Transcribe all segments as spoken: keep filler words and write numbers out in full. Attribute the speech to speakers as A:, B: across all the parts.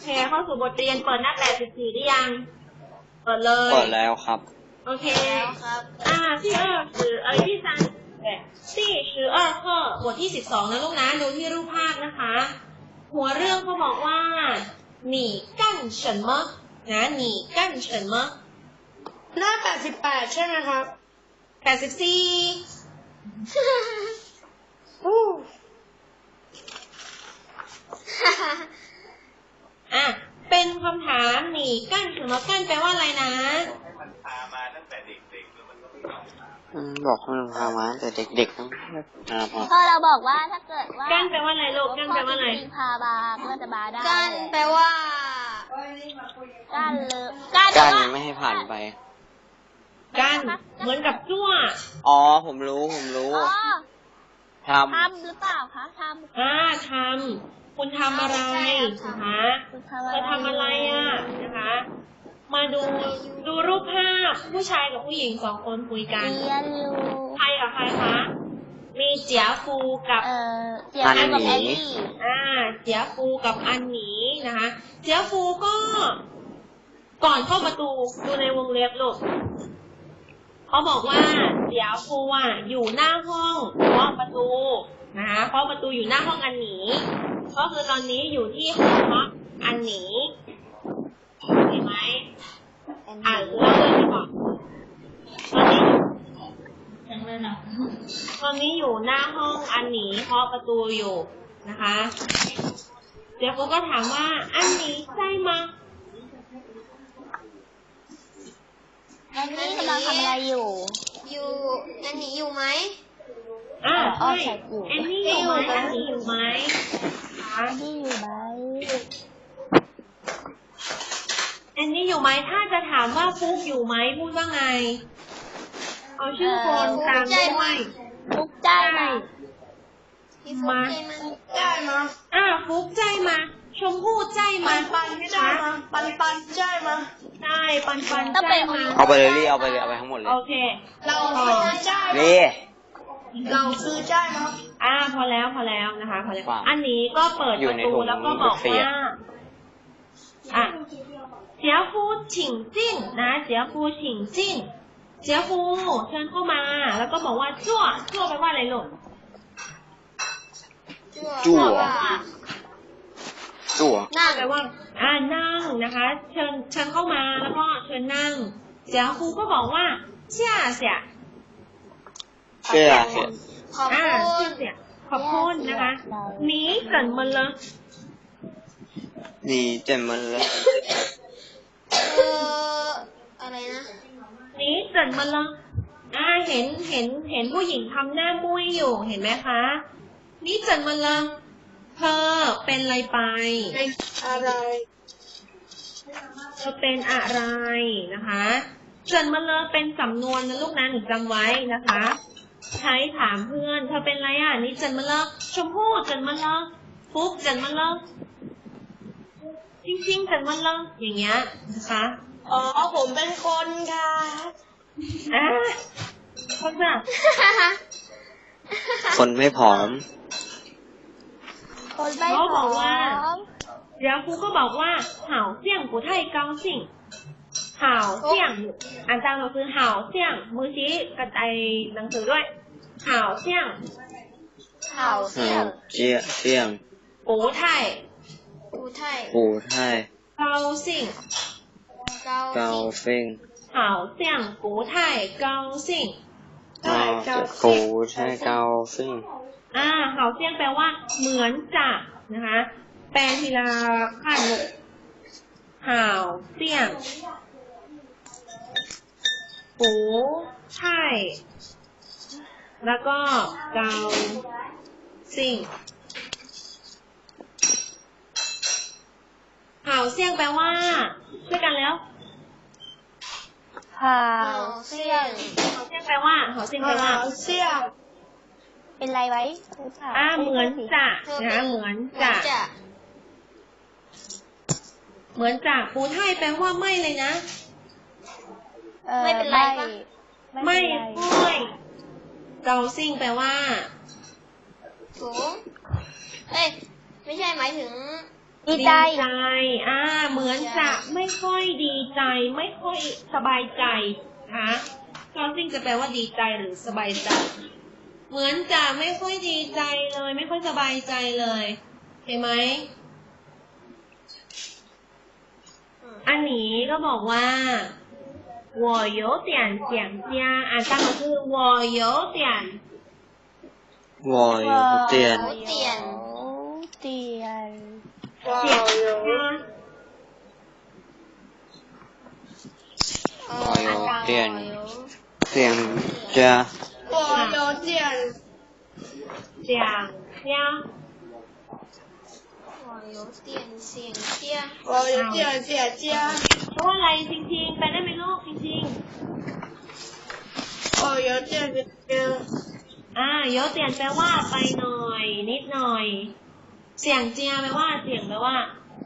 A: เข้าสู่บทเรียนเปิดหน้าแปดสิบสี่ได้ยังเปิดเลย
B: เปิดแล้วครับ
A: โอเคครับอ่าที่二十เอ้ยที่สามที่สิบ二课บทที่สิบสองนะลูกนะดูที่รูปภาพนะคะหัวเรื่องเขาบอกว่า你干什么นะ你干什么
C: หน้าแปดสิบแปดใช่ไหมครับ
A: แปดสิบสี่อ่ะเป็นคำถามหนีกั้นหรือว่ากั้นแปลว่าอะไรนะ
B: มันพามาตั้งแต่เด็กๆมันก็ไม่บอกให้มันพามาตั้งแต่เด็กๆต้อง
D: พอเราบอกว่าถ้าเกิดว่า
A: กั้นแปลว่าอะไรลูกกั้นแปลว่าอะไร
D: พาบาก็จะบาได้
C: กั้นแปลว่า
D: กั้นเลย
B: กั้นไม่ให้ผ่านไป
A: กั้นเหมือนกับจั่ว
B: อ๋อผมรู้ผมรู้ทำ
D: ทำหรือเปล่าคะทำ
A: อ่าทำคุณทำอะไรนะคะเธอทำอะไรอ่ะนะคะมาดูดูรูปภาพผู้ชายกับผู้หญิงสองคนคุยกันใครกับใครคะมีเจียฟูกับ
D: อันหนี
A: อ่าเจียฟูกับอันหนีนะคะเจียฟูก็ก่อนเข้าประตูดูในวงเล็บลูกเขาบอกว่าเจียฟูอ่ะอยู่หน้าห้องเคาะประตูนะคะเคาะประตูอยู่หน้าห้องอันหนีก็คือตอนนี้อยู่ที่ห้องพักอันหนีเห็นไหมอ่านเล่าเลยดีกว่าตอนนี้ตอนนี้อยู่หน้าห้องอันหนีเคาะประตูอยู่นะคะเดี๋ยวกูก็ถามว่าอันหนีใช่ไหม
D: อันนี้กำลังทำอะไรอยู่
C: อยู่อันหนีอยู่ไหม
A: อ่าใช่อันนี้อยู่ไหมอันนี้อยู่ไหม
D: อันนี้อยู่ไหม
A: อันนี้อยู่ไหมถ้าจะถามว่าฟุกอยู่ไหมพูดว่าไงเอาชื่อคนตามด้วย
D: ฟุกใจมา
A: มา
C: ใจมา
A: อ่าฟุกใจมาชมพู่ใจมา
C: ปันใจมาปันปันใจมา
A: ใช่ปันปันใจมา
B: เอาไปเลยรีเอาไปเลยเอาไปทั้งหมดเลย
A: โอเค
C: เราคือใจ
B: รี
C: เราคือใจมา
A: อ่าพอแล้วพอแล้วนะคะพอแล้วอันนี้ก็เปิดประตูแล้วก็บอกว่าอ่ะเจียฟูฉิงจิ้งนะเจียฟูฉิงจิ้งเจียฟูเชิญเข้ามาแล้วก็บอกว่าจั่วจั่วแปลว่าอะไรลูก
B: จั่วจั่ว
A: นั่งแปลว่าอ่านั่งนะคะเชิญเชิญเข้ามาแล้วก็เชิญนั่งเจียฟูก็บอกว่าเชี่ยเสีย
B: เชี่ยเสีย
A: อ่าเชี่ยเสียขอบคุณนะคะหนีเกินมันเลย
B: หนีเต็มมันเลย
C: เอออะไรนะ
A: หนีเกินมันเลยอ่าเห็นเห็นเห็นผู้หญิงทำหน้ามุ้ยอยู่เห็นไหมคะนี่เกินมันเลยเธอเป็นอะไรไป
C: อะไร
A: เธอเป็นอะไรนะคะเกินมันเลยเป็นสำนวนนะลูกนะหนูจำไว้นะคะใช้ถามเพื่อนเธอเป็นอะไรอ่ะนี่เกินมันเลยชมพู่เกินมันเลยฟุ๊กเกินมันเลยจริงๆเกินมันเลยอย่างเงี้ยนะคะ
C: อ๋อผมเป็นคนค่ะ
A: อ่าคนแบบ
B: คนไม่ผอม
D: คนไม่ผอม
A: เดี๋ยวครูก็บอกว่า好像不太高兴好像อ่านตามเราคือ好像มือชี้กระจายหนังสือด้วย好像
D: 好像
B: เจียเจียง
A: 不太
C: 不太
B: 不太
A: 高兴
B: 高兴
A: 好像不太高兴
B: 不太高兴
A: อ่า好像แปลว่าเหมือนจะนะคะแปลทีละขั้นลูก好像不太แล้วก็เกาซิ่ง好像แปลว่าช่วยกันแล้ว
D: 好像
A: 好像แปลว่า好像แปลว่า
D: เป็นไรไว้
A: อ่าเหมือนจะนะคะเหมือนจะเหมือนจะปูไทยแปลว่าไม่เลยนะ
C: ไม่เป็นไรปะ
A: ไม่ไม่เกาซิ่งแปลว่า
C: ถูกเอ้ยไม่ใช่หมายถึง
D: ดีใจ
A: อ่าไม่ค่อยดีใจไม่ค่อยสบายใจนะคะก็ซิ่งจะแปลว่าดีใจหรือสบายใจเหมือนจะไม่ค่อยดีใจเลยไม่ค่อยสบายใจเลยเห็นไหมอันนี้ก็บอกว่า我有点想家อ่านตามก็คือ我有点
B: 我有点
C: เตียน
D: เตียน
A: 想家
B: 我有点想家
C: 我有点
A: 想家
C: 我有点想家
A: 我有点想家เพราะว่าอะไรจริงๆไปได้ไหมลูกจริงๆ
C: 我有点想
A: อ่าเยอะเตียนแปลว่าไปหน่อยนิดหน่อยเสียงเจียแปลว่าเสียงแปลว่า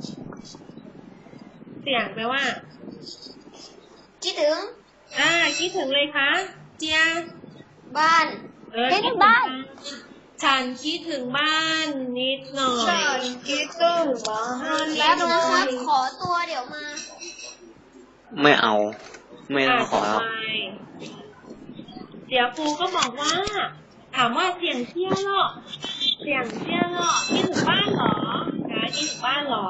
A: เสียงแปลว่า
C: คิดถึง
A: อ่าคิดถึงเลยคะเจีย
C: บ้าน
A: เออ
D: คิดถึงบ้าน
A: ฉันคิดถึงบ้านนิดหน่อย
C: คิดถึงบ้านแป๊บนะครับขอตัวเดี๋ยวมา
B: ไม่เอา ไม่ต้
A: อ่า
B: องข
A: ต่
B: อ
A: อ
B: แล้ว
A: ไปเดี๋ยวครูก็บอกว่า ถามว่าเสียงเจียเหรอเสียงเจียเหรอคิดถึงบ้านเหรอคะคิดถึงบ้านเหรอ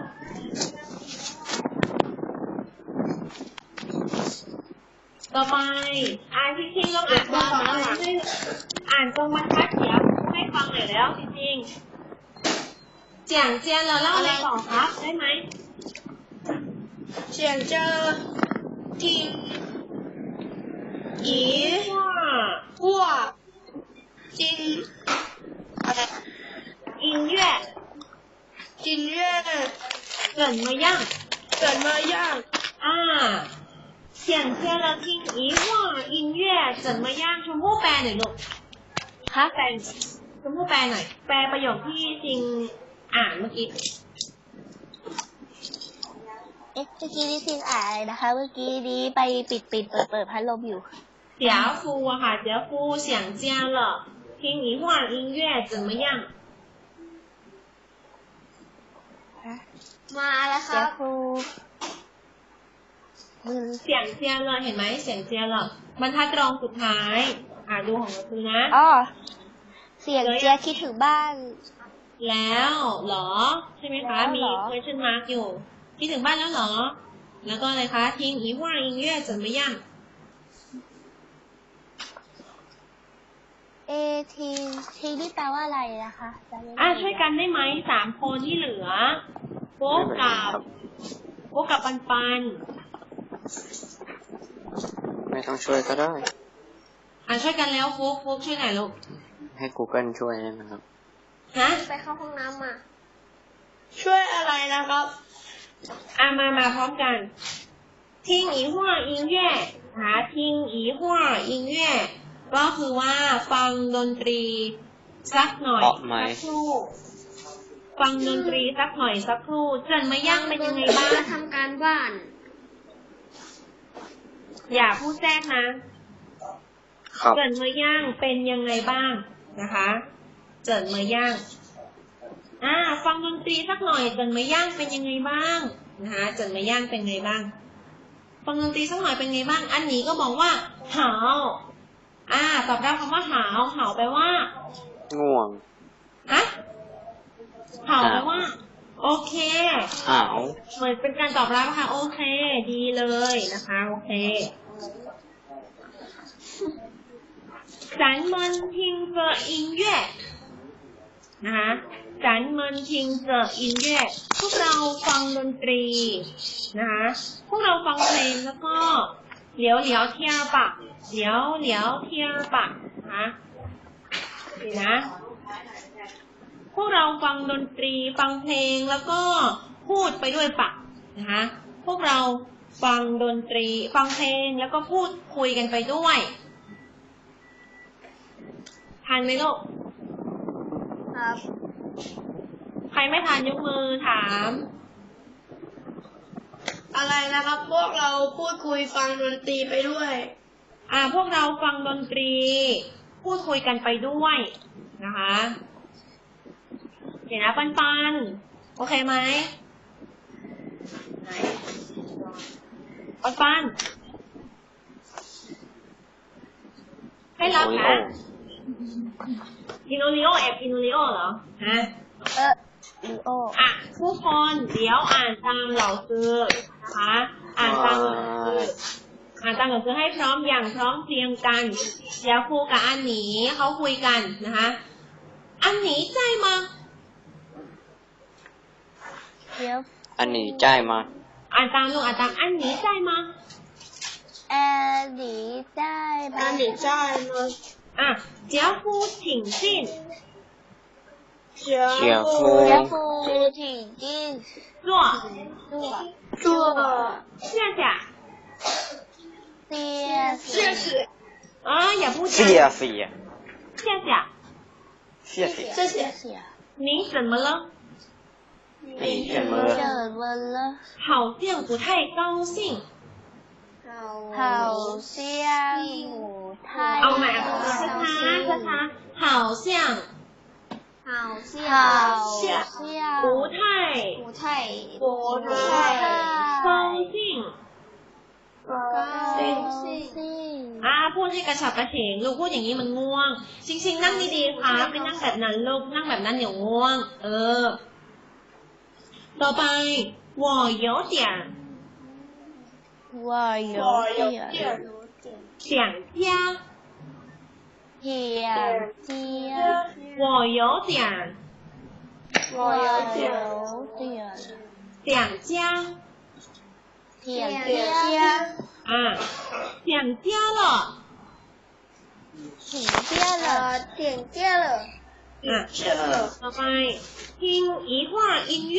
A: ต่อไปอ่านจริงๆลองอ่านตรงบรรทัดให้อ่านตรงบรรทัดเดี๋ยวให้ฟังหน่อยแล้วจริงๆเจียงเจียเราเล่าอะไรต่อครับได้ไหม
C: เสียงเจอทิ้ง
A: อีว่า
C: หัวจริงอะไร
A: 音乐
C: 音乐
A: 怎么样
C: 怎么样
A: 啊想接了听一会儿音乐怎么样ชมพู่แปลหน่อยลูก
D: คะ
A: แปลชมพู่แปลหน่อยแปลประโยคที่จริงอ่านเมื่อกี้
D: เอ๊ะเมื่อกี้นี่ซิงอ่านอะไรนะคะ เมื่อกี้นี้ไปปิดปิดเปิดเปิดพัดลมอยู่
A: เจียฟูอะค่ะเจียฟู想家了听一会儿音乐怎么样
C: มาแล้วค
D: เดี๋
C: รั
D: ยว
C: บ
D: ครูมือ
A: เสียงเจียเลยเห็นไหมเสียงเจียเลยบรรทัดรองสุดท้าย อ่าดูของเราคือนะ
D: อ๋อเสียงเจียคิดถึงบ้าน
A: แล้วเหรอใช่ไหมคะ
D: แล้ว
A: มี
D: เหรอ
A: question mark อยู่คิดถึงบ้านแล้วเหรอ แล้วก็อะไรคะทิ้งอีว่า音乐怎么样
D: เอทีทีนี่แปลว่าอะไรนะคะจำไม่ได้
A: อ่ะช่วยกันได้ไหมสามคนที่เหลือโฟกกับโฟกกับปันปัน
B: ไม่ต้องช่วยก็ได้
A: อ่ะช่วยกันแล้วโฟกโฟกช่วยหน่อยลูก
B: ให้ Google ช่วยได้ไหมครับ
A: ฮะ
C: ไปเข้าห้องน้ำมา ช่วยอะไรนะครับ
A: อ่ะมามาพร้อมกันทิ้งอีว่า音乐หาทิ้งอีว่า音乐ก็คือว่าฟังดนตรีสักหน่อย
B: เพราะไหม
A: สักครู่ฟังดนตรีสักหน่อยสักครู่เจินมาย่างเป็นยังไงบ้าง
C: ทำการบ้าน
A: อย่าพูดแทรกนะครับ เจินมาย่างเป็นยังไงบ้างนะคะเจินมาย่างอ่าฟังดนตรีสักหน่อยเจินมาย่างเป็นยังไงบ้างนะคะเจินมาย่างเป็นไงบ้างฟังดนตรีสักหน่อยเป็นไงบ้างอันนี้ก็บอกว่าหาวอ่าตอบรับคำว่าหาวหาวแปลว่า
B: ง่วง
A: ฮะหาวแปลว่า โอเค
B: หาว
A: เหมือนเป็นการตอบรับค่ะโอเค ดีเลยนะคะโอเค咱们听着音乐นะคะ咱们听着音乐พวกเราฟังดนตรีนะคะพวกเราฟังเพลงแล้วก็เหลียวเหลียวเทียปะเหลียวเหลียวเทียปะนะคะนี่นะพวกเราฟังดนตรีฟังเพลงแล้วก็พูดไปด้วยปะนะคะพวกเราฟังดนตรีฟังเพลงแล้วก็พูดคุยกันไปด้วยทันไหมลูก
C: ครับ
A: ใครไม่ทันยกมือถาม
C: อะไรนะครับ พวกเราพูดคุยฟังดนตรีไปด้วย
A: อ่าพวกเราฟังดนตรีพูดคุยกันไปด้วยนะคะเดี๋ยวนะปันปันโอเคไหมไหนปันปันให้รับนะกินโอริโอแอบกินโอริโอเหรอฮะ
D: เออลีโอ
A: อ่ะทุกคนเดี๋ยวอ่านตามเหล่าซื้อนะคะอ่านตามเหล่าซื้ออ่านตามเหล่าซื้อให้พร้อมอย่างพร้อมเพรียงกันเดี๋ยวครูกับอันหนีเขาคุยกันนะคะอันหนีใจมา
D: เดี๋ยว
B: อันนี้จ่ายมา
A: อ่านตามลูกอ่านตามอันหนีใจมา
D: แอร์หนีได้ไหม
C: อันนี้在吗？
A: อ่ะเจ้าฟูถิงสิ้น
C: 姐
B: เจียว
C: 夫
B: ฟู
D: เดี๋ยวฟูถึงจิ้น
A: 做
D: ตัว
C: 做
A: 下下
D: เสีย
C: 谢谢
A: อ่ะอย่าพูด
B: เสียเสีย
A: 下下
B: เสียเสีย
C: 谢谢
D: เสีย
A: 你怎么了
B: 你怎么
D: เจ
B: 了
D: อวันละ
A: 好像不太高兴
D: เห่าเสียงหมูไทย
A: เอาใหม่อ่ะช้าช้าช้าช้า好像
C: 好像
D: เห่า
C: 像
D: เสียง
A: 不太
C: 不太
A: 不
C: 不
A: 太
C: 太
A: 高兴
C: 高兴
A: อ่าพูดให้กระฉับกระเฉงลูกพูดอย่างนี้มันง่วงจริงๆนั่งดีๆครับไม่นั่งแบบนั้นลูกนั่งแบบนั้นเดี๋ยวง่วง เออ ต่อไป我有点
D: ว่า有
C: 我有
D: 点
C: 点
A: 想家
D: เหียเจีย
A: 我有点
C: 我有点
D: เดีย
A: 想家
D: เหีย
C: 点
D: เจีย
A: อ่า想家了
D: ถึงเจียเหรอ
C: 呃点见了
A: อ่ะ
C: 见了
A: ต่อไป听一会儿音乐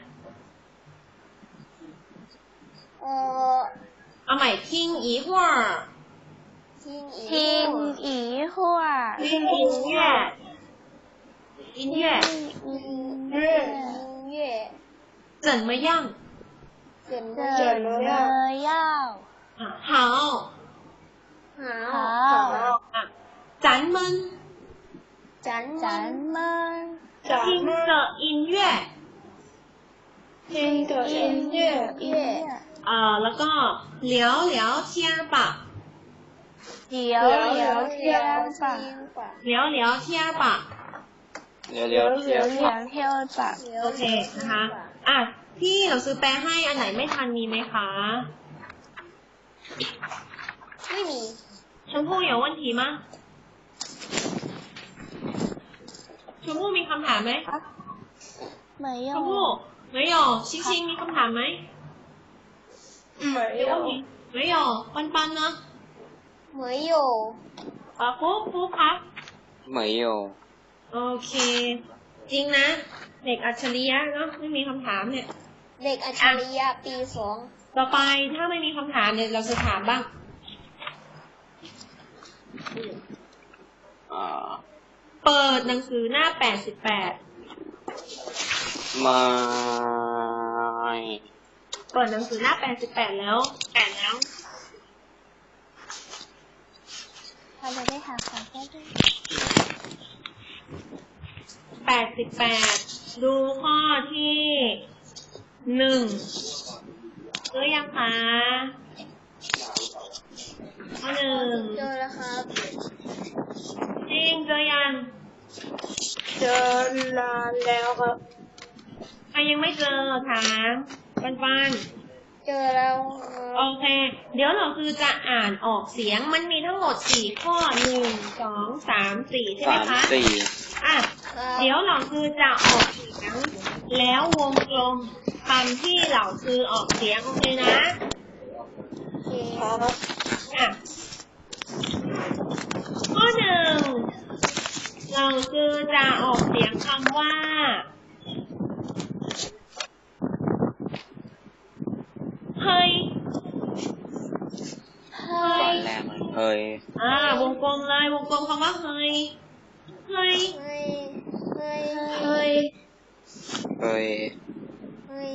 C: 呃
A: เอาใหม่听一会儿
C: 听一
D: ทิ้ง
C: 会儿
D: อีหัว
A: 听音乐音乐
D: อืม
C: 音乐
A: 怎么样
C: 怎么
D: เจอ
C: 怎么
D: เล
C: 样？
D: ยยาว
A: 啊好
C: 好
D: 好
A: 啊咱们
C: 咱
D: จัน
C: 们
D: มัน
C: 咱
A: 听
C: 们
A: 着音乐
C: 听的音乐乐
A: เอ่อแล้วก็聊聊天吧
D: เดี๋ยว
C: 聊
D: เดี๋ยว
C: 聊
D: เที่ยง
C: 天
D: ป่ะ
C: 吧，
A: 聊聊天吧
B: เร็วเร็วเที่ยว
D: เดี๋ยวเที่ยวป่ะ
A: โอเคนะคะอ่ะพี่เราซื้อแปลให้อันไหนไม่ทันมีไหมคะ
C: ไม่มี
A: ชมพู่有问题吗ชมพู่มีคำถามไหม
D: ไม่ย
A: ช
D: อ
A: ม
D: ม
A: พู่没有星星มีคำถามไหม
C: 没有
A: 没有ปันปันเนาะ
C: 没有
A: อ่ะฟุ๊กฟุ๊กครับ
B: เหมยโย
A: โอเค จริงนะ เด็กอัจฉริยะเนาะไม่มีคำถามเนี่ย
C: เด็กอัจฉริยะปีสอง
A: ต่อไปถ้าไม่มีคำถามเนี่ยเราจะถามบ้าง
B: อ่า
A: เปิดหนังสือหน้าแปดสิบแปด
B: ไม่
A: เปิดหนังสือหน้าแปดสิบแปดแล้วแปดแล้ว
D: เราจะได้หาของแก้ด้วย
A: แปดสิบแปดดูข้อที่หนึ่งเจอยังคะข้อหนึ่ง
C: เจอแล้วครับ
A: จริงเจอยัง
C: เจอนานแล้วครับ
A: ใครยังไม่เจอถามปันปัน
C: เจอแล้วค
A: โอ
C: รับ
A: เค เดี๋ยวเราคือจะอ่านออกเสียงมันมีทั้งหมดสี่ข้อหนึ่งสองสามสี่ใช่ไหม
B: สาม
A: คะ
B: สี่
A: อ่ะ เดี๋ยวเราคือจะออกเสียงแล้ววงกลมคำที่เราคือออกเสียงโอเคนะ
C: โอเคครับ
A: อ่ะข้อหนึ่งเราคือจะออกเสียงคำว่าเฮ้ย
D: เฮ้
B: ก่อย นแรกเลยเฮ้ย
A: อ่าวงกลมเลยวงกลมคำว่าเฮ้ยเฮ้ย
C: เฮ้ยเฮ้ย
A: เฮ้ย
B: เฮ้ย
C: เฮ้ย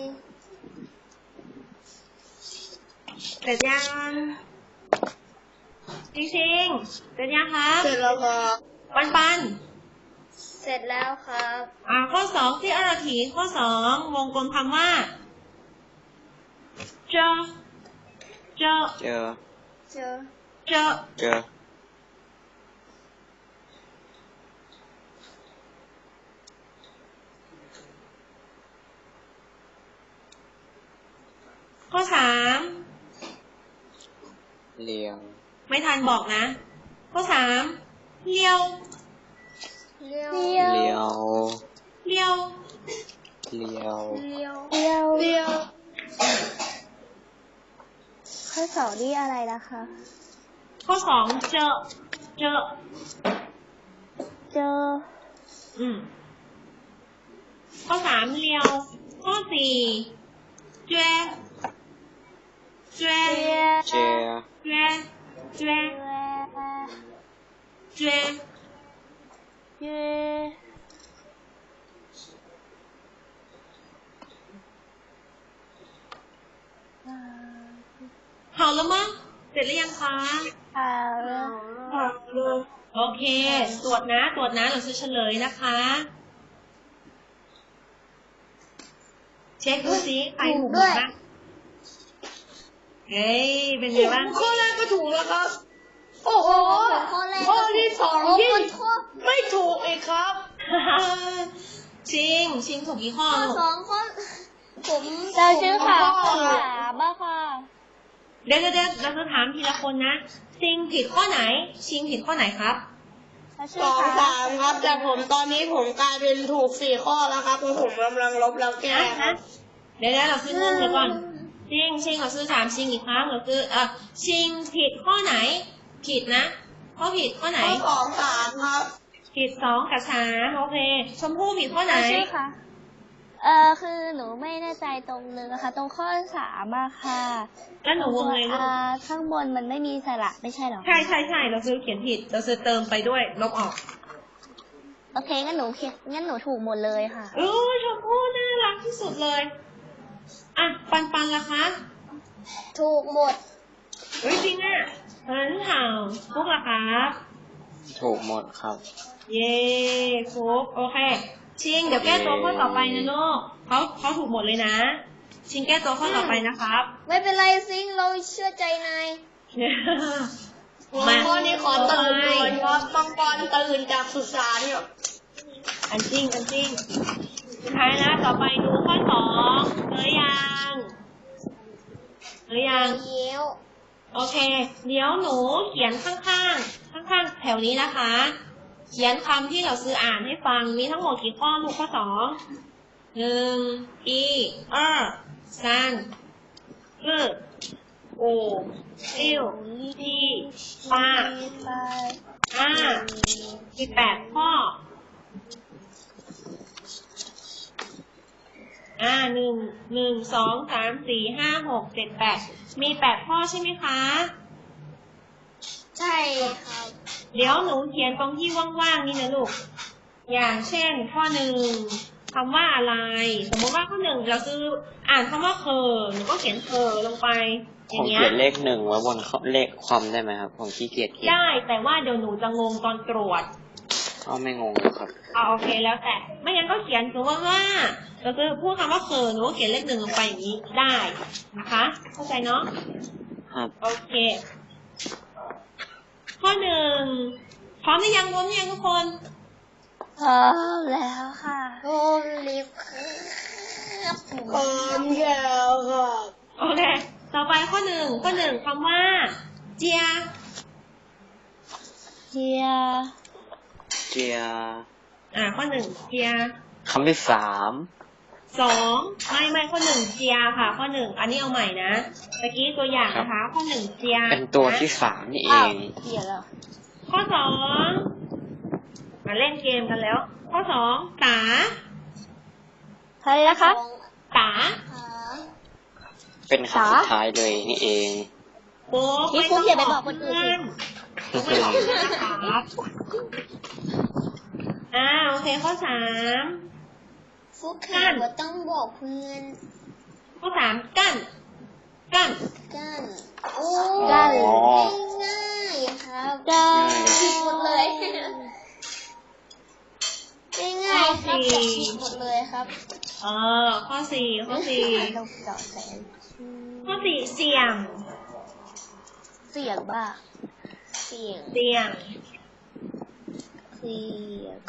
A: เสร็จยังจริงๆเสร็จยังครับ
C: เสร็จแล้วครับ
A: ปันปัน
C: เสร็จแล้วครับ
A: อ่าข้อสองที่อาราถีข้อสองวงกลมคำว่าเจอเจอ
B: เจอ
C: เจอ
A: เจอ
B: เจอ
A: ข้อสาม
B: เลียว
A: ไม่ทันบอกนะ ข้อสามเลี้ยว
C: เลี้ยว
D: เลี้ยว
B: เลียว
A: เลี้ยว
B: เลียว
C: เลี้ยว
D: เลี้ยว
C: เลี้ยว
D: ข้อสองนี่อะไรนะคะ
A: ข้อสองเจอเจอ
D: เจอ
A: อืมข้อสามเลี้ยว ข้อสี่เจเจ
B: เจ
A: เจเจเจ
D: เย้
A: 好了吗เสร็จหรือยังคะ
D: อ่า
A: โอเค ตรวจนะ ตรวจนะเราจะเฉลยนะคะ เช็คดูสิใครถูกบ้างเฮ้ย เป็นไงบ้าง
C: ข้อแรกก็ถูกแล้วครับ โอ้โห
D: ข้อแรก
C: ข้อที่สองที่
D: โอ้โห
C: ไม่ถูกอีกครับ
A: ชิง ชิงถูกกี่ข้อ
C: ข้อ
A: ลูก
C: สองข้อผม
D: เราชื่อค่ะ
C: ข้อ
D: ข้อสามบ้าค่ะ
A: เดี๋ยวเดี๋ยวเราจะถามทีละคนนะ ชิงผิดข้อไหน ชิงผิดข้อไหนครับ
D: เรา
C: ส
D: ชื่อ
C: อง
D: ค่ะ
C: สามครับ แต่ผมตอนนี้ผมกลายเป็นถูกสี่ข้อแล้วครับเพราะผมกำลังลบแล้วแก้ค
A: นะ
C: รับ
A: เดี๋ยวนะเราซื้อเงินเดี๋ยวก่อน ชิง ชิงเราซื้อถามชิงอีกครั้งเราซื้อเอ่อชิงผิดข้อไหน ผิดนะ ข้อผิดข้อไหน
C: ข้อสองสามครับ
A: ผิดสองกับสามโอเค ชมพู่ผิดข้อไหน
D: เราชื่อค่ะ เอ่อคือหนูไม่แน่ใจตรงนึงนะคะ ตรงข้อสามอะค่ะ
A: แล้วหนูวงเลยลูก
D: อ่าข้างบนมันไม่มีสระไม่ใช่หรอ
A: ใช่ใช่ใช่เราซื้อเขียนผิด เราซื้อเติมไปด้วย ลบออก
D: โอเคงั้นหนูเขียนงั้นหนูถูกหมดเลยค่ะ
A: โอ้ยชมพู่น่ารักที่สุดเลย อ่ะ ปันปันล่ะคะ
C: ถูกหมด
A: เฮ้ยจริงอ่ะเหินห่าวฟุกล่ะครับ
B: ถูกหมดครับ
A: เย้ฟุกโอเค ชิง เดี๋ยวแก้ตัวข้อต่อไปนะลูกเขาเขาถูกหมดเลยนะ ชิงแก้ตัวข้อต่อไปนะครับ
C: ไม่เป็นไรซิงเราเชื่อใจนาย
A: มา
C: ข้อนี้ขอตื่นด่วนครับต้องปอนตื่นจากสุสานเนี่ย
A: อันจริง อันจริง สุดท้ายนะต่อไปดูข้อสองเจอยังเจอยัง
C: เยี่ยว
A: โอเค เดี๋ยวหนูเขียนข้างๆ ข้างๆ แถวนี้นะคะ เขียนคำที่เราซื้ออ่านให้ฟัง มีทั้งหมดกี่ข้อลูกข้อสองหนึ่งอีเออซันเออโอซิลทีปาอ่ามีแปดข้อ อ่าหนึ่งหนึ่งสองสามสี่ห้าหกเจ็ดแปดมีแปดข้อใช่ไหมคะ
C: ใช่ครับ
A: เดี๋ยวหนูเขียนตรงที่ว่างๆนี่นะลูก อย่างเช่น ข้อหนึ่งคำว่าอะไร สมมติว่าข้อหนึ่งเราซื้ออ่านคำว่าเคอหนูก็เขียนเคอลงไป อ
B: ผ
A: ย่าม งเงี้ย
B: เขียนเลขหนึ่งไว้บนเลขความได้ไหมครับ ผมขี้เกียจเขียน
A: ได้แต่ว่าเดี๋ยวหนูจะงงตอนตรวจ
B: เอาไม่งงครับ
A: เอาโอเคแล้วแต่ ไม่งั้นก็เขียนสมมติว่าเราจะพูดคำว่าเคอหนูก็เขียนเลขหนึ่งลงไปอย่างนี้ได้นะคะ เข้าใจเนาะ
B: ครับ
A: โอเค ข้อหนึ่งพร้อมหรือยังพร้อมหรือยังทุกคน
D: พร้อมแล้วค่ะ
C: โอ้ลิฟครับพร้อมแล้วครับ
A: โอเค ต่อไปข้อหนึ่งข้อหนึ่งคำว่า เจีย
D: เจีย
B: เจีย
A: อ่า ข้อหนึ่งเจีย
B: คำที่สาม
A: สองไม่ไม่ข้อหนึ่งเจียค่ะ ข้อหนึ่งอันนี้เอาใหม่นะตะกี้ตัวอย่างนะคะ ข้อหนึ่งเจีย
B: เป็นตัวที่สามนี่เอ
D: อ้าว
B: ง
D: เจียแล้ว
A: ข้อสองมาเล่นเกมกันแล้ว ข้อสองตา
D: ใครนะคะ
A: ตา
C: ขา
B: เป็นคำสุดท้ายเลยนี่เอง
A: โป๊ะ
D: นี่คุณอย่าไปบอกคนอื่นสิ
A: ไม่บอกเพื่อนนะครับอ่าโอเค ข้อสาม
C: ฟุกค่ะว่าต้องบอกเพื่อน
A: ข้อสามกั้น กั้น
C: กันโอ้
D: กัน
C: ง่ายๆครับ
D: กัน
C: ผิดหมดเลยง่ายๆครับแต่ผิดหมดเลยครับ
A: เออ ข้อสี่ข้อสี่
D: ต้องเจาะแสง
A: ข้อสี่เสี่ยง
D: เสียงบ้า
C: เสียง
A: เสียง
D: เสียง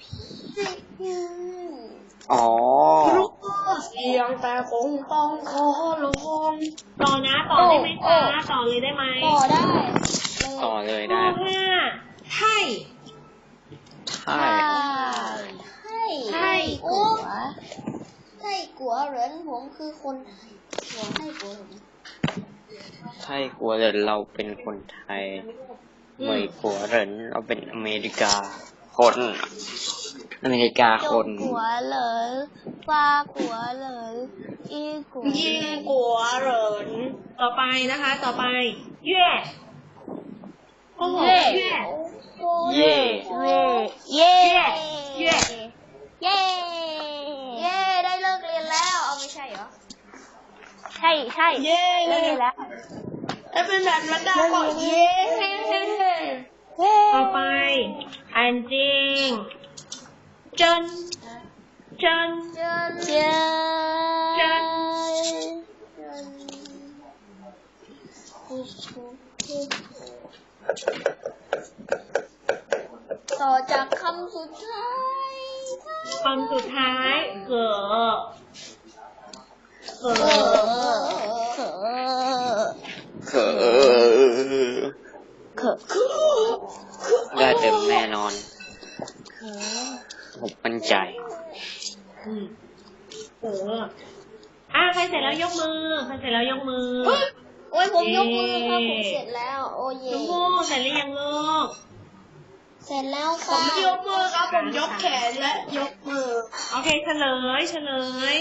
B: อ๋อ
C: เสียงแต่คงต้องขอลง
A: ต่อนะต่อได้ไหมคะต่อเลยได้ไหม
D: ต่อได้
B: ต่อเลย
A: ข้
B: ได้
A: อห้าไทย
B: ใช่
D: ใช่
A: ไทย
D: กัวไส้กัวเหรินผมคือคนไทยหัวไส้กัวเหริน
B: ใช่กลัวเหรินเราเป็นคนไทยเหมยกลัวเหรินเราเป็นอเมริกา คน อเมริกา
D: จ
B: ค
D: ก
B: น
D: กัวเหรินฟ้ากัวเหรินอีกัว
C: ยิงกัวเหริน
A: ต่อไปนะคะ ต่อไปเย่โอ้โหเย่
B: เย่
D: เย่เย่
A: เย่
D: เย่เย่ได้เลิกเรียนแล้วเอาไม่ใช่เหรอใช่ใช่
C: เย้
D: เลิกเรียนแล้ว
C: ถ้าเป็นแบบมันดาก็เย้
D: เย่
A: ต่อไปอันจริงเจินเจิน
D: เจนเจน
A: เจิน
D: ต่อจากคำสุดท้าย
A: คำสุดท้ายเกอเกอ
D: เออเขอ
B: เขอ
D: เขอ
B: ได้เต็มแน่นอน
D: เขอ
B: ผมมั่นใจ
A: อืมเกออ่ะใครเสร็จแล้วยกมือใครเสร็จแล้วยกมือ
D: โอ้ยผมยกมือครับผมเสร็จแล้ว โอ้เย่
A: ชมพู่เสร็จหรือยังลูก
D: เสร็จแล้ว
C: ผ
D: ค่ะ
C: มยกมือครับผมยกแขนและยกมือ
A: โอเคเฉลยเฉลย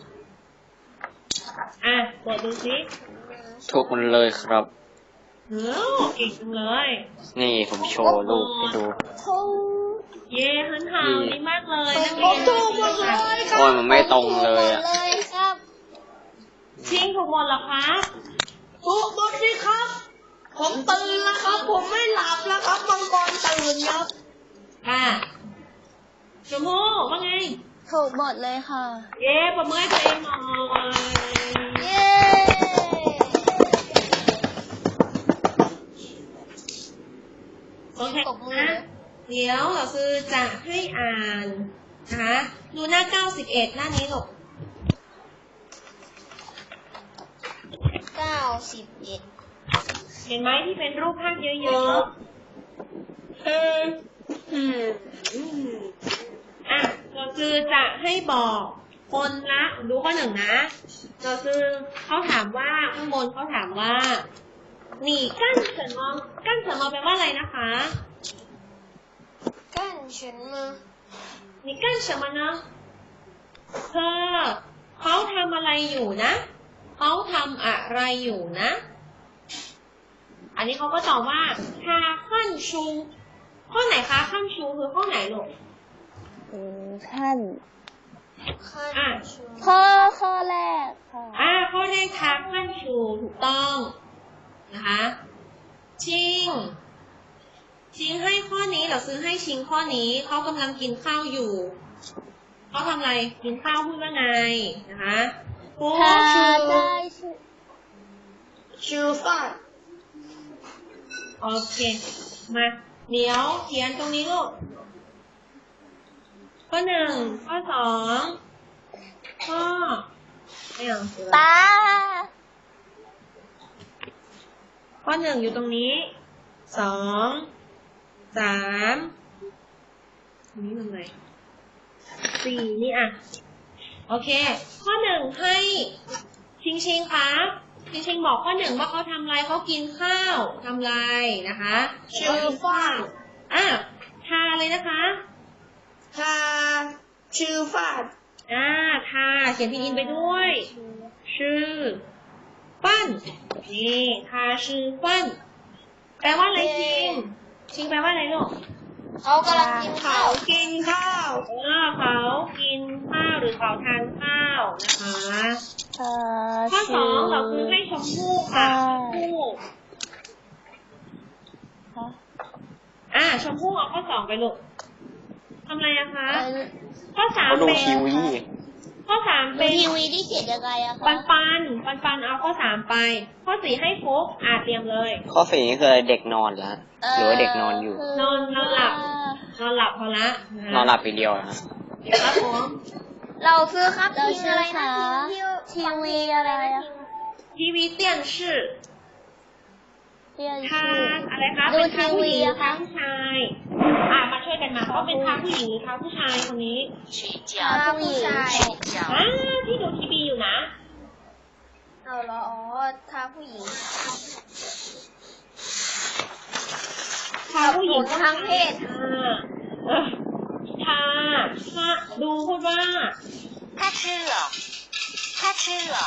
A: อ่ะเปิดดูสิ
B: ทุกคนเลยครับ
A: เฮ้อเก่งจังเลย
B: นี่ผมโชว์รูปให้ดู
D: เขา
A: เย้หันหาวดีมากเลยนัก
C: ผ
A: เรีย
C: ม
A: น
C: ถูกหมดเลยค
B: โอ้
C: รั
B: ย
C: บ
B: มันไม่ตรงเลย
D: หม
B: อ่ะ
D: ดเลยครับ
A: ชิงถูกหมดเหรอครับ
C: ถูกหมดสิครับ ผมตื่นแล้วครับ ผมไม่หลับแล้วครับมังกรตื่นครับ
A: ค่ะชมพู่ว่าไง
D: ถูกหมดเลยค่ะ
A: เย้ปรบมือให้ตัวเองหน่อย
D: เย้
A: โอเคนะเดี๋ยวเราคือจะให้อ่านนะคะดูหน้าเก้าสิบเอ็ดหน้านี้ลูก
D: เก้าสิบเอ็ด
A: เห็นไหมที่เป็นรูปภาพเยอะ
C: เอออืม
A: ๆอืมอ่ะเราคือจะให้บอกคนละดูข้อหนึ่งนะเราคือเขาถามว่าข้างบนเขาถามว่าหนีกั้นเฉินมองกั้นเฉินมองแปลว่าอะไรนะคะ
D: กั้นฉันมา
A: 你干什么呢เธอเขาทำอะไรอยู่นะเขาทำอะไรอยู่นะ อันนี้เขาก็ตอบว่าทาขั้นชูข้อไหนคะขั้นชูคือข้อไหนลูก
D: อืมขั้น
A: อ่ะ
D: ข้อข้อแรกค่ะ
A: อ่าข้อแรกทาขั้นชูถูกต้องนะคะชิงชิงให้ข้อนี้เราซื้อให้ชิงข้อนี้เขากำลังกินข้าวอยู่เขาทำอะไรกินข้าวพูดว่าไงนะคะฟู
D: ถ้า
A: ชู
D: ได้ชื่อ
C: ชื่อฟ้า
A: โอเค มาเดี๋ยวเขียนตรงนี้ลูก ข้อหนึ่ง ข้อสอง ข้อไม่เอา
D: ตา
A: ข้อหนึ่งอยู่ตรงนี้ สอง สามนี่ตรงไหนสี่นี่อ่ะ โอเค ข้อหนึ่งให้ชิงชิงครับชิงชิงบอกข้อหนึ่งว่าเขาทำอะไรเขากินข้าวทำอะไรนะคะ
C: ชื่อฟ้า
A: อ่ะทาเลยนะคะ
C: ทาชื่อฟ้า
A: อ่าทาเขียนพินอินไปด้วย ชื่อฟันนี่ทาชื่อฟันแปลว่าอะไรชิงชิงแปลว่าอะไรลูก
D: เขากำลังกินข้า
C: เขา
D: ว
C: กินข้าว
A: เออเขากินข้าวหรือเขาทานข้าวนะคะ
D: เอ่อ
A: ข้อสองเราคือให้ชมพู่ค่ะชมพู่อ่าชมพู่เอาข้อสองไปลูกทำอะไรอะคะ ข้อสาม
B: เขาดู
A: เป็น
B: ทีวี
A: ข้อสาม
D: ดู
A: เป็น
D: ทีวีที่เขียนยังไงอะ
A: ปั
D: คะ
A: นปันปันปันเอาข้อสามไป ข้อสี่ให้ฟุกอ่าเตรียมเลย
B: ข้อสี่นี่คือเด็กนอนแล้วหรือว่าเด็กนอนอยู่
A: นอนนอนหลับ นอนหลับพอละะคะ
B: นอนหลับไปเดียวนะ
A: ครับผม
C: เราซื้อครับ
D: เรา
C: ที
D: ชื่
C: อะ
D: อ
C: ไร
D: คะ
C: นะที
D: ทีวีอะไรอะ
A: ทีวี电视
D: เรียน
A: ทา
D: ชื่อ
A: อะไรคะ
D: ดู
A: เป็นทาผู้หญิงห
D: ทีวี
A: รือ
D: อะ
A: ทา
D: คะ
A: ผู้ชาย อ่ามาช่วยกันมาเขาเป็นทาผู้หญิงหรือทาผู้ชายคนนี้
D: ทาผู้หญิง
A: อ่าที่ดูทีวีอยู่นะ
C: เอาเหรออ๋อทาผู้หญิง
A: ทาผู้หญิง
C: ทางเพศ
A: อ่าเออทาทาดูพูดว่า
E: 他吃了，他吃了。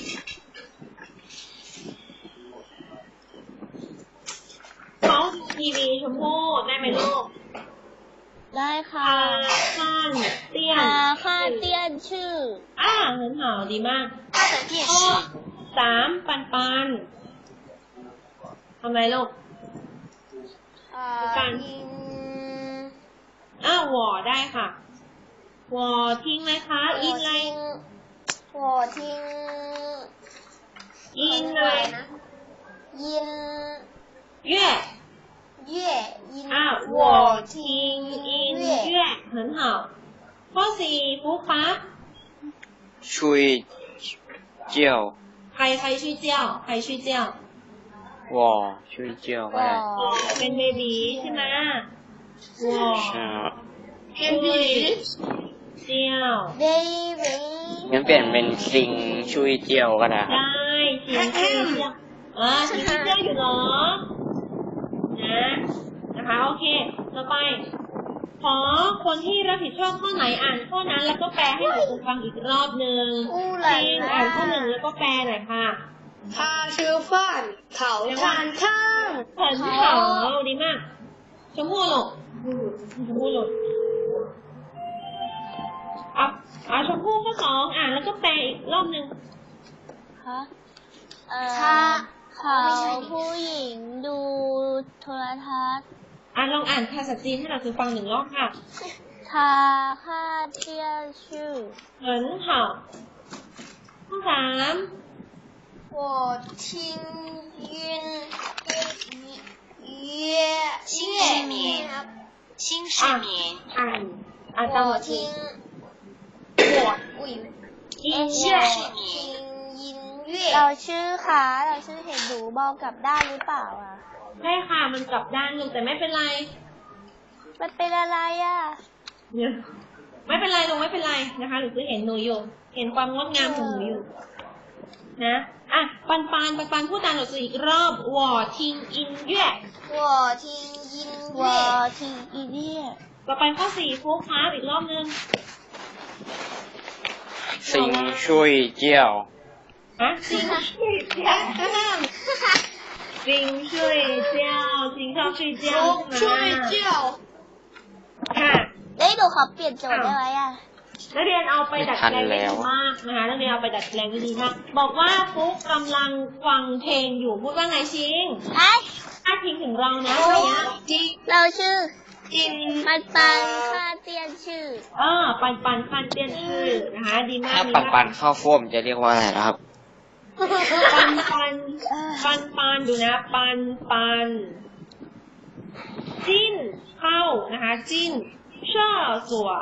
A: เขาดูทีวีชมพู่ได้ไหมลูก
D: ได้ค่ะ
A: ทาข้านเตี้ยน
D: ทาค่าเตี้ยนชื่อ
A: อ่า很好ดีมาก
E: 他的电
A: ข้อ
E: 视，
A: สามปันปันทำไรลูก
C: อ่า
A: การ
C: ยิง
A: อ้าวหวอได้ค่ะหวอทิ้งไหมคะ อินอะไร
C: หัวทิ้ง
A: อินอะไร
C: นะยิน
A: เย่
C: เย่ยิน
A: อ้าวหวอทิ้งอินเย่很好ข้อสี่ฟุกปั๊บ
B: ชุยเจียว
A: ใครใครชื่อเจ้า ใครชื่อเจ้าว
B: อชุยเจียวก็ได้
A: หวอเป็นเบบีใช่ไหมหวอ
B: ใช่
A: เป็นเบบีเจ้า
C: เบบี
B: งั้นเปลี่ยนเป็นซิงชุยเจียวก็ได้ครับ
A: ได้เสียงชื่อเจ้าอ่าเสียงชื่อเจ้าอยู่เหรอ นะนะคะโอเคต่อไป ขอคนที่รับผิดชอบข้อไหนอ่านข้อนั้นแล้วก็แปลให้หนูฟังอีกรอบหนึ่ง
C: อู้ห
A: จ
C: ลา
A: ริง
C: ลา
A: อ่านข้อหนึ่งแล้วก็แปลหน่อยค่ะ
C: ทาชื่อฟ้านเขาทานข้าง
A: เผินเขาดีมากชมพู่หลกชมพู่หลกอ่ะอ่ะชมพู่ข้อสองอ่านแล้วก็แปลอีกรอบหนึ่ง
D: คะเอ่อ
C: ทา
D: เขาผู้หญิงดูโทรทัศน์
A: อ่ะลองอ่านภาษาจีนให้เราคือฟังหนึ่งรอบค่ะ
D: ทาค่าเตี้ยนชื่อ
A: เผินเขาข้อสาม
C: 我听音乐
E: 新
C: 乐
E: 失眠，新失眠，
A: อ่านอ่านตามห
C: 我
A: ลักสู
C: 听
A: ตร
C: 我我以为
A: อิน
E: 新
A: เย่
E: 失眠，
C: 听音
D: เรา
C: 乐
D: ชื่อคะเราชื่อเห็นหนูมองกลับด้านหรือเปล่าอ่ะ
A: ใช่ค่ะมันกลับด้านลูกแต่ไม่เป็นไร
D: มันเป็นอะไรอ่ะ
A: เนี่ยไม่เป็นไรลูกไม่เป็นไรนะคะหนูคือเห็นหนูอยู่ เห็นความงดงามของหนูอยู่ นะอ่ะปันปันปันปันพูดตามหนูอีกรอบวอทิงอินเย่
C: 我听音
D: ว่า
C: 乐
D: ทีอีเนี่ย
A: ต่อไปข้อสี่ฟุกครับอีกรอบนึง
B: ซิงชุยเจียว
A: ฮะซิงช่วยเจ้าซิงช่วยเจ้าซิงชอบช่วยเจ้า
C: 我
A: ใช่ไหม
C: 睡觉
A: ค่ะ
D: เอ้ยหนูขอเปลี่ยนโจทย์ได้ไหมอ่ะ
A: นักเรียนเอาไปดัดแปลงได้ดีมากนะคะนักเรียนเอาไปดัดแปลงได้ดีมากบอกว่าฟุกกำลังฟังเพลงอยู่พูดว่าไงชิง
D: ไอ้
A: ถ้าชิงถึงเรานะอะไรเงี้ย
D: เราชื่อ
C: 音
D: มันปังค่าเตี้ยนชื่อ
A: เออปันปันปันเตี้ยนชื่อนะคะดีมาก
B: ถ้า
A: ดี
B: ปัน
A: มาก
B: ปันเข้าโฟมจะเรียกว่าอะไรนะครับ
A: ปันปันปันปันดูนะ ปันปันจิ้นเข้านะคะจิ้นเช่อสัว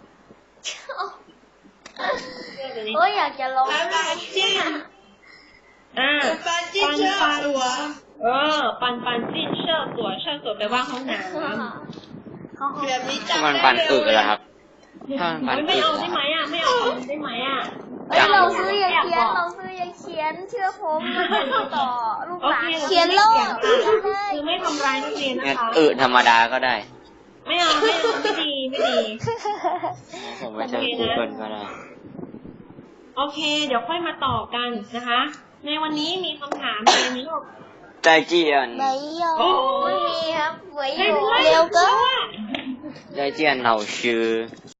C: 我อยากจะลองได้
A: จิ้นอ่า
C: ปันจิ้นเชื่อหัว
A: เออ ปันปันจิ้นเช่อสัวเช่อสัวแปลว่าห้องน้
C: แบบนี้
B: ถ้า
C: จำ
B: มัน
C: ได้
B: ปัน
C: เร็
B: อึ
C: วเลย
B: แล้วครับ
A: ำ
B: ถ้ามันปัน
A: ไม่
B: อึ
A: เอา
B: แล้
A: ได้
B: ว
A: ไหมอ่ะไม่เอาได้ไหมอ่ะ
D: เฮ้ยเราซื้ออย่าเขียนเราซื้ออย่าเขียนเชื่อผมมันเป็นต่อลูกหลาน
A: โอเค
D: เขียนโลก
A: คือไม่ทำร้ายนักเรียนนะ
B: งั้น
A: คะ
B: อึธรรมดาก็ได้
A: ไม่เอาไม่เอาไม่ดีไม่ดี
B: ผมไม่ใช่กูเกิลก็ได้
A: โอเค เดี๋ยวค่อยมาต่อกันนะคะ ในวันนี้มีคำถามอะไรไหมลูก
B: ใจเจียน
D: 没有
A: โอ้
C: ไม่
A: ย
C: มีครับไว้อ
A: ไม่
C: ยู่
A: เป็นไร
D: เร็วเกิน
B: ใจเจียนเราชื่อ